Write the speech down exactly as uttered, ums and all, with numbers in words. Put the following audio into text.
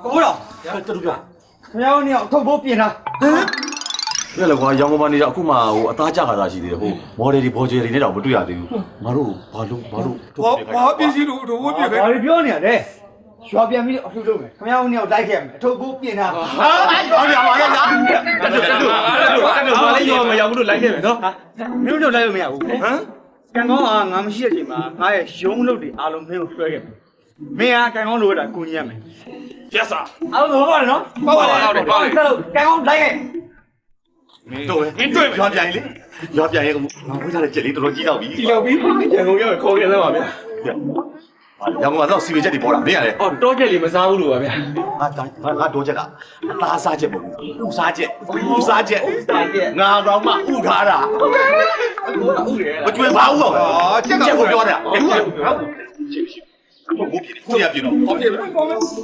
ကိုတော်တူပြခင်ဗျားတို့เนี่ยထုတ်ဖို့ပြင်တာဟမ်ပြလေကွာရောင်ကုန်မနေတော့အခုမှဟိုအသားကြခါသားရှိသေးတယ်ဟိုမော်ဒယ်တွေဘော်ဂျယ်တွေနဲ့တော့မတွေ့ရသေးဘူးငါတို့ဘာလို့ဘာလို့ဘာဘာပစ္စည်းလို့ထုတ်ဖို့ပြင်ခဲ့ဘာတွေပြောနေရလဲရွာပြန်ပြီးအထုတ်လုပ်မယ်ခင်ဗျားတို့เนี่ยလိုက်ခဲ့မယ်အထုတ်ဖို့ပြင်တာဟာဘာရပါလဲညာတက်တက်တက်တက်ဘာလဲရောမရောက်ဘူးလို့လိုက်ခဲ့မယ်နော်မင်းတို့လိုက်လို့မရဘူးဟမ်ကံကောင်းကငါမရှိတဲ့အချိန်မှာငါရဲ့ရုံးလုပ်တွေအားလုံးမင်းကိုဆွဲခဲ့မယ်မင်းကကံကောင်းလို့ရတာကိုကြီးရမယ် yes sir အားလုံးဟုတ်ပါတယ်နော်ဟုတ်ပါတယ်ဟုတ်တယ်ဟုတ်တယ်ကံကောင်းလိုက်ခဲ့တော့ဟင်းတွေ့ရွာပြန်လေရွာပြန်ရဲ့ငါဝိထားတဲ့ချက်လေးတော်တော်ကြီးတော့ပြီကြီးတော့ပြီရန်ကုန်ရောက်ခေါ်ခဲ့သားပါဗျာရောင်ကုန်ကတော့စီဝေချက်တွေပေါ်တာမင်းရလေအော်တောချက်လေးမစားဘူးလို့ပါဗျာငါငါငါတော့ချက်ကအသားစားချက်မဟုတ်ဘူးဥစားချက်ဥစားချက်ငါတော့မှဥထားတာမကျွေးပါဘူးတော့ချက်ကိုပြောတာဟုတ်ဟုတ်ဟုတ်ပြည့်ပြည့်ကိုရပြည့်တော့ဟုတ်ပြည့်